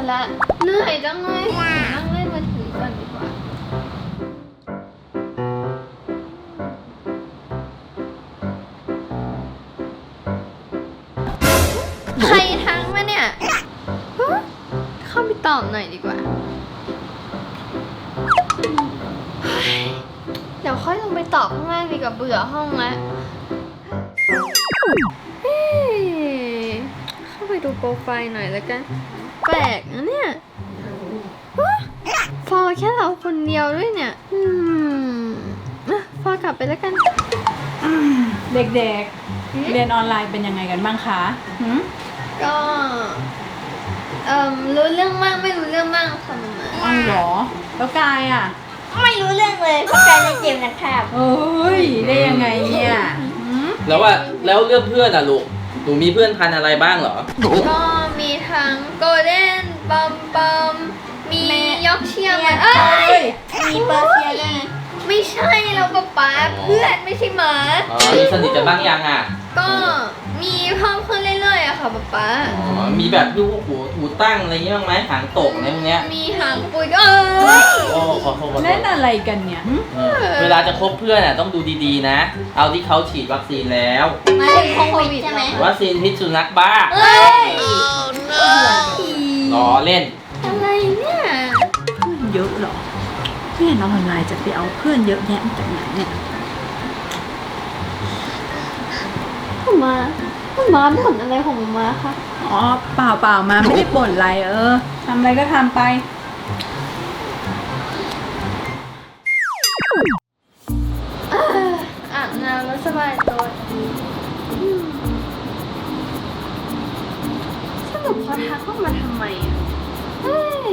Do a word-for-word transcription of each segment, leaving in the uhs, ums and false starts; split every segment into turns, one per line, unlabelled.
ละเหนื่อยจังเลยนั่งเล่นมือถือก่อนดีกว่าใครทักมาเนี่ยเข้าไปตอบหน่อยดีกว่าเดี๋ยวค่อยลงไปตอบข้างล่างดีกว่าเบื่อห้องแล้วเข้าไปดูโปรไฟล์หน่อยแล้วกันแปลกนะเนี่ยฟอแค่เราคนเดียวด้วยเนี่ยอืมฟอกลับไปแล้วกัน
เด็กๆเรียนออนไลน์เป็นยังไงกันบ้างคะ
ก็เอ่อรู้เรื่องบ้างไม่รู้เรื่องบ้างค่ะมาม่า
อ้าวเหรอแล้วกายอ่ะ
ไม่รู้เรื่องเลยเพราะกายเล่นเกมนะครับ
เอ้ยได้ยังไงเนี่ย
แล้วว่าแล้วเรื่องเพื่อนอ่ะลูกหนูมีเพื่อนพันอะไรบ้างเหรอ
ก็มีทั้งโกลเด้นปอมปอมมียอกเชียร์เอ้ย
มีเปอร์เซียด้วย
ไม่ใช่เราป๊าป๊าเพื่อนไม่ใช่หมา
อ๋อมีสนิทกันบ้างยังอ่ะ
ก็มีเพิ่มขึ้นเรื่อยๆอะค่ะป๊าป๊า
อ๋อมีแบบลูกหูหูตั้งอะไรเงี้ยบ้างไหมหางตกอะไรพวกเนี้ย
มีหางปุยก็เออ
โอ้ขอโทษ
เล่นอะไรกันเนี่ย
เวลาจะคบเพื่อนอ่ะต้องดูดีๆนะเอาที่เขาฉีดวัคซีนแล้ว
ไม่โควิดใช่ไหม
วัคซีนพิษสุนัขบ้า
เอ้ย
ล้อเล่น
อะไรเนี่ย
เพื่อนเยอะหรอเรียนออนไลน์จะไปเอาเพื่อนเยอะแยะมาจากไหนเนี่ย
มามาบ่นอะไรของมาคะ
อ๋อเปล่าเปล่ามาไม่ได้บ่นอะไรเออทำอะไรก็ทำไป
อาบน้ำแล้วสบายตัวสรุปเขาทักเข้ามาทำไมอ่ะเฮ้ย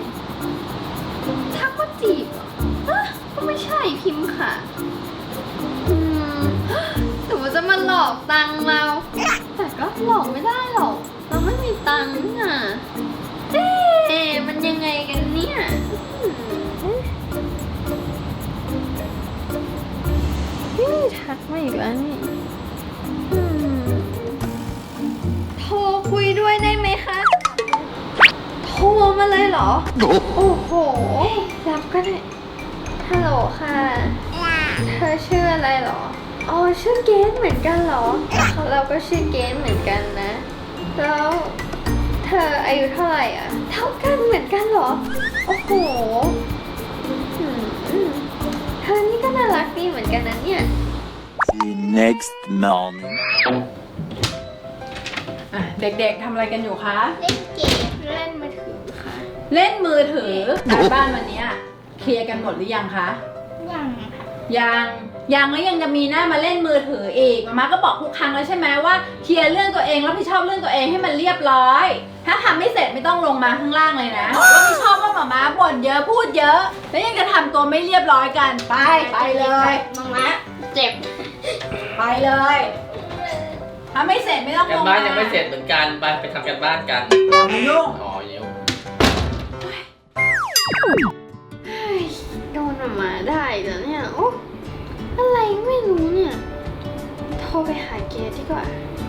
ทักว่าจีบเหรอก็ไม่ใช่พิมพ์ค่ะอืมหรือว่าจะมาหลอกตังเราแต่ก็หลอกไม่ได้หรอกเราไม่มีตังค์น่ะเอ๊ะมันยังไงกันเนี่ยนี่ทักมาอีกแล้วนี่โทรคุยด้วยได้ไหมคะโทรมาเลยเหรอโอ้โหรับก็ได้ฮัลโหลค่ะเธอชื่ออะไรเหรออ๋อชื่อเกนเหมือนกันเหรอเราก็ชื่อเกนเหมือนกันนะแล้วเธออายุเท่าไหร่อ่ะเท่ากันเหมือนกันเหรอโอ้โหเธอนี่ก็น่ารักดีเหมือนกันนะเนี่ย
The next morning
อ่ะเด็กๆทำอะไรกันอยู่คะ
เล่นเกม
เล่นมือถือค่ะ
เล่นมือถือการบ้านวันนี้เคลียร์กันหมดหรือยังคะ
ยัง
ยังยังแล้วยังจะมีหน้ามาเล่นมือถืออีกมาม่าก็บอกทุกครั้งแล้วใช่ไหมว่าเคลียร์เรื่องตัวเองรับผิดชอบเรื่องตัวเองให้มันเรียบร้อยถ้าทำไม่เสร็จไม่ต้องลงมาข้างล่างเลยนะว่าไม่ชอบว่ามาม่าบ่นเยอะพูดเยอะแล้วยังจะทำตัวไม่เรียบร้อยกันไปไปเลย
มาม่าเจ็บ
ไปเลยถ้าไม่เสร็จไม่ต้องลงมา
การบ้านยังไม่เสร็จเหมือนกันไปไปทำการบ้านกัน
ไม่ยุ่ง
อ๋อยุ่ง
โดนมาได้แล้วเนี่ยโอ้อะไรไม่รู้เนี่ยโทรไปหาเกดดีกว่า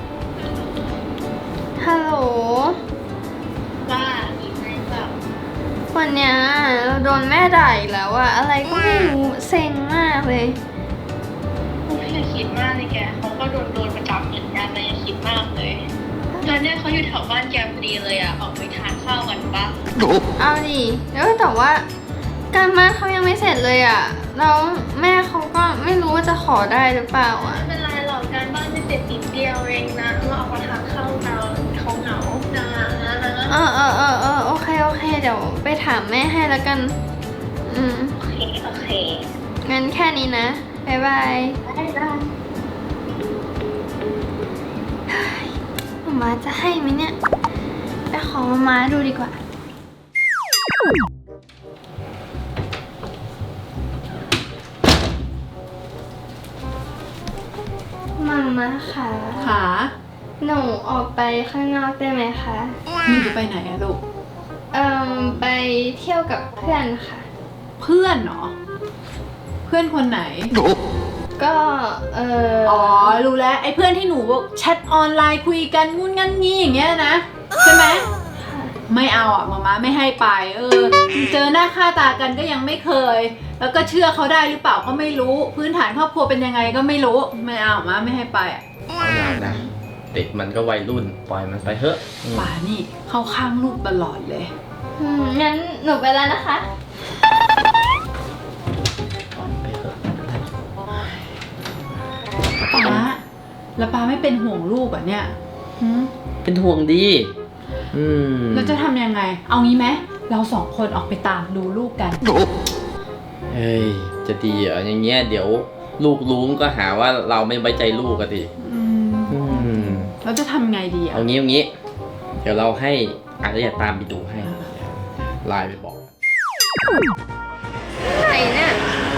ฮัลโหล
ว่ามีไหมแบบ
วันเนี้ยเราโดนแม่ด่าอีกแล้วอะอะไรก็ไม่รู้เซ็งมากเลย
ไม่อย่าคิดมากเลยแกเขาก็โดนโดนประจำเหมือนกันเลยอย่าคิดมากเลยตอนนี้เขาอยู่แถวบ้านแกพอดีเลยอะออกไปทานข้าวกันปะ
เอาดิแล้วแต่ว่าการบ้านเขายังไม่เสร็จเลยอ่ะแล้วแม่เขาก็ไม่รู้ว่าจะขอได้หรือเปล่าอ่ะ
ไม่เป็นไรหรอกการบ้านจะเสร็จนิดเดียวเองนะเราออกมาทานข้าวกันเขาเหงานะ
เออเออเออเออโอเคโอเคเดี๋ยวไปถามแม่ให้แล้วกันอืม
โอเคโอเค
งั้นแค่นี้นะบ๊ายบาย
ได้ได้
มาม่าจะให้ไหมเนี่ยไปขอมาม่าดูดีกว่ามาม่าค่ะ
ค่ะ
หนูออกไปข้างนอกได้ไหมคะ
นี่จะไปไหนอะลูก
เอ่อไปเที่ยวกับเพื่อนค่ะ
เพื่อนเหรอเพื่อนคนไหน
ก็เออ
อ๋อรู้แล้วไอ้เพื่อนที่หนูแชทออนไลน์คุยกันงุ่นงั้นงี้อย่างเงี้ยนะใช่ไหมไม่เอาอ่ะมาม่าไม่ให้ไปเออเจอหน้าค่าตากันก็ยังไม่เคย แล้วก็เชื่อเขาได้หรือเปล่าก็ไม่รู้พื้นฐานครอบครัวเป็นยังไงก็ไม่รู้ไม่เอามาไม่ให้ไปอ่ะ
เอาหน่อยนะเด็กมันก็วัยรุ่นปล่อยมันไปเถอะอืม
ป่านี่เข้าข้างลูกตลอดเลย
อืมงั้นหนูไปแล้วนะคะ
ปล่อยมันไปเถอะไม่เป็นไร
ป้าแล้วป้าไม่เป็นห่วงลูกอ่ะเนี่ยหืม
เป็นห่วงดีอืม
เราจะทำยังไง เอางี้ไหมเราสองคนออกไปตามดูลูกกัน
เฮ้ยจะดีเหรออย่างเงี้ยเดี๋ยวลูกรู้ก็หาว่าเราไม่ไว้ใจลูกอะดิ
อืม
อืม
เราจะทำไงดีอ่ะ
เอางี้เอางี้ เดี๋ยวเราให้อารยาตามไปดูให้ไลน์ไปบอก
ไหนเนี่ย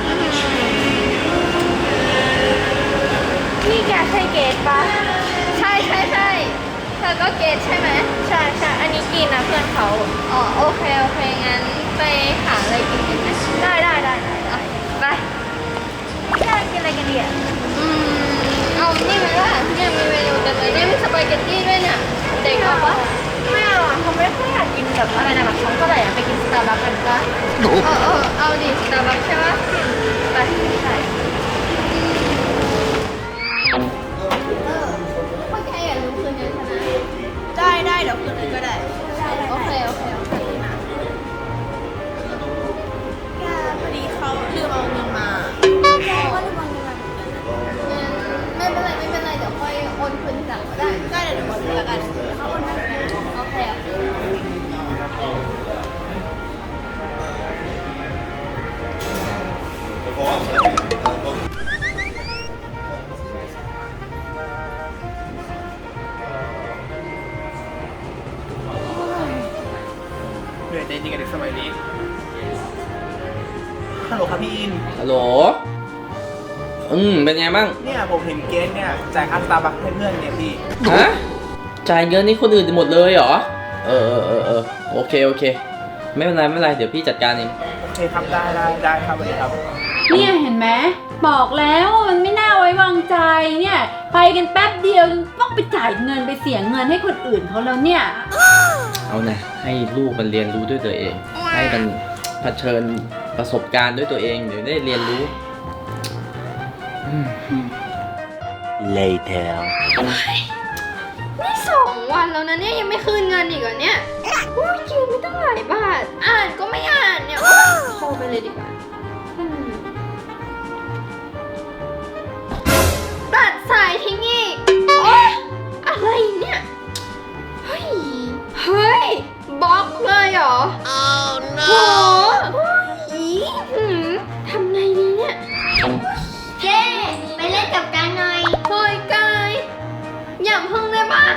นี่แกใช่เกดปะใช่ใช่ใช่เธอก็เกดใช่ไหมใช่ใช่อันนี้กินนะเพื่อนเขาอ๋อโอเคโอเคงั้นไปหาอะไรกินกันไหมได้ได้ได้ได้ได้ไปอยากกินอะไรกันดีอ่ะอืมเอานี่ไหมล่ะเนี่ยมีเมนูเต็มเลยเนี่ยมีสปาเกตตี้ด้วยเนี่ยเด็กเอาปะไม่เอาอ่ะเขาไม่ค่อยอยากกินแบบอะไรนะแบบเขาก็เลยอยากไปกินสตาร์บัคกันปะเออเออเอาดิสตาร์บัคใช่ปะไปใช่พวกแกอย่าลืมคืนเงินฉันนะ
ได้ได้เดี๋ยวคืนนึงก็ได้
โอเคโอเคโอเค
แกพอดีเขาลืมเอาเงินมา
แกก็ลืมเอาเงินมาไม่เป็นไรไม่เป็นไรเดี๋ยวค่อยโอนคืนทีหลังก็ได้
ได้เดี๋ยวหนูบอกเลยแล้วกันเขาโอนให้นะ
โอเคโอเค
เหนื่อยใจจริงกับเด็กสมัยนี้ ฮัลโหลครับพี่อิน
ฮัลโหลอืมเป็นไงบ้าง
เนี่ยผมเห็นเกสเนี่ยจ่ายค่าสตาร์บัคให้เพื่อนเนี่ยพี่
ฮะจ่ายเงินนี่คนอื่นหมดเลยเหรอเออเออเออเออโอเคโอเค ไม่เป็นไรไม่เป็นไรเดี๋ยวพี่จัดการเอง
โอเคครับได้ได้ได้ครับสวัสดีครับ
เนี่ยเห็นไหมบอกแล้วว่ามันไม่น่าไว้วางใจเนี่ยไปกันแป๊บเดียวต้องไปจ่ายเงินไปเสียเงินให้คนอื่นเขาแล้วเนี่ย
เอานะให้ลูกมันเรียนรู้ด้วยตัวเอง ให้มันเผชิญประสบการณ์ด้วยตัวเองเดี๋ยวได้เรียนรู้อืม
Later.
นี่สองวันแล้วนะเนี่ยยังไม่คืนเงินอีกเหรอเนี่ยอุ้ยยืมไม่ตั้งหลายบาท อ่านก็ไม่อ่านเนี่ยโทรไปเลยดีกว่าอืมตัดสายทิ้งอีกโอ๊ยอะไรเนี่ย เฮ้ย เฮ้ยบล็อกเลยเหรอ oh no โอ้ยหืมทำไงดีเนี่ย เจ๊ไปเล่นกับกันหน่อยเฮ้ยกายอย่าเพิ่งได้ปะ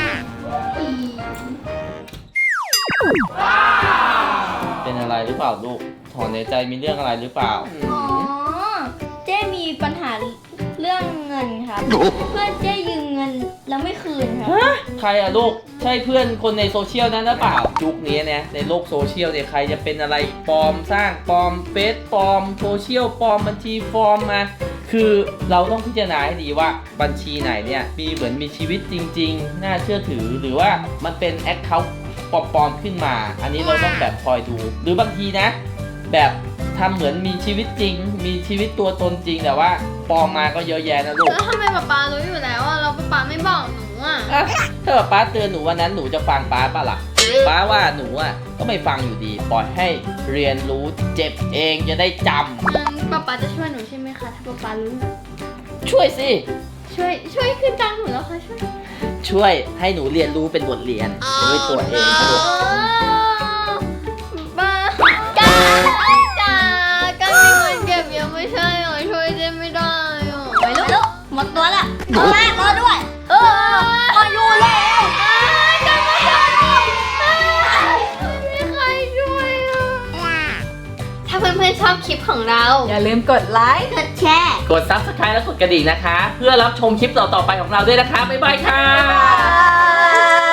เป็นอะไรหรือเปล่าลูกถอนในใจมีเรื่องอะไรหรือเปล่า
อ๋อ เจ๊มีปัญหาเรื่องเงินครับ เพื่อนเจ๊ยืมเงินแล้วไม่คืนครับ
ใครอะลูกใช่เพื่อนคนในโซเชียลนั้นหรือเปล่ายุคนี้เนี่ยในโลกโซเชียลเนี่ยใครจะเป็นอะไรปลอมสร้างปลอมเฟซปลอมโซเชียลปลอมบัญชีปลอมมา คือเราต้องพิจารณาให้ดีว่าบัญชีไหนเนี่ยมีเหมือนมีชีวิตจริงๆ น่าเชื่อถือหรือว่ามันเป็นแอคเคาท์ปลอมๆขึ้นมา อันนี้เราต้องแบบคอยดู หรือบางทีนะ แบบทำเหมือนมีชีวิตจริง มีชีวิตตัวตนจริงแต่ว่าปลอมมาก็เยอะแยะนะลูก
แล้วทำไมป๊าป๊ารู้อยู่แล้วอ่ะเราป๊าป๊าไม่บอกหนูอ่ะ
อ่ะถ้าป๊าเตือนหนูวันนั้นหนูจะฟังป๊าปะล่ะป๊าว่าหนูอ่ะก็ไม่ฟังอยู่ดีปล่อยให้เรียนรู้เจ็บเองจะได้จำ
งั้นป๊าป๊าจะช่วยหนูใช่ไหมคะ ถ้าป๊าป๊ารู้
ช่วยสิ
ช่วยช่วยขึ้นตังค์หนูแล้วค่ะช่วย
ช่วยให้หนูเรียนรู้เป็นบทเรียนด้วยตัวเองนะลูก
บ้าจ้าจ้ากันมีเงินเก็บเยอะไม่ใช่เหรอช่วยเจ๊ไม่ได้หรอ
ไปลุกหมดตัวละเอามารอด้วย เออมาอยู่แล้ว
กันไม่ได้ไม่มีใครช่วยอ่ะถ้าเพื่อนๆชอบคลิปของเรา
อย่าลืมกดไลค์
กดแชร์
กด ซับสไครบ์ และกดกระดิ่งนะคะ เพื่อรับชมคลิปต่อๆไปของเราด้วยนะคะ บ๊ายบายค่ะ
บ๊ายบาย